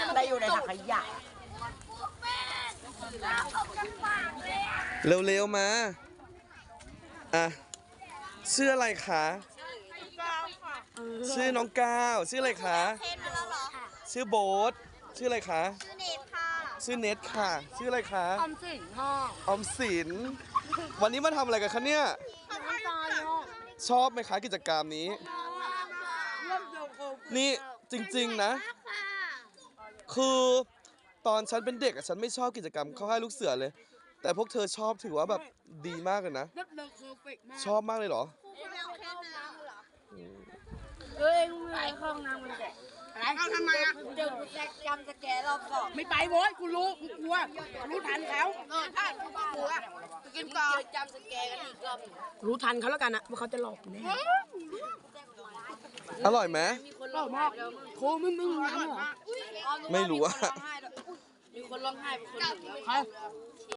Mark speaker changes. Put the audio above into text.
Speaker 1: ได้อยู่ในถังขยะ
Speaker 2: เร็วๆมาอ่ะชื่ออะไรคะชื่อน้องก้าวชื่ออะไรคะชื่อโบ๊ทชื่ออะไรคะชื่อเนทค่ะชื่ออะไรคะ
Speaker 1: ออมสินพ่อ
Speaker 2: ออมสินวันนี้มาทำอะไรกันคะเนี่ยชอบไหมคะกิจกรรมนี้นี่จริงๆนะคือตอนฉันเป็นเด็กฉันไม่ชอบกิจกรรมเข้าค่ายลูกเสือเลย แต่พวกเธอชอบถือว่าแบบดีมากเลยนะชอบมากเลยเหรอ
Speaker 1: เฮ้ยมึงไปห้องน้ำมันแกเอาทำไมอ่ะเจอกูแซกจำสแกนรอบสองไม่ไปโว้ยกูรู้กูกลัวรู้ทันเขาใช่กูก็กลัวกินก่อนจำสแกนกันอีกรอบรู้ทันเขาแล้วกันนะว่าเขาจะหลอกกูแน่
Speaker 2: อร่อยไหม
Speaker 1: อร่อยมากโคมึงน้ำเหรอ
Speaker 2: ไม่รู้อะ
Speaker 1: มีคนร้องไห้เป็นคนหนึ่ง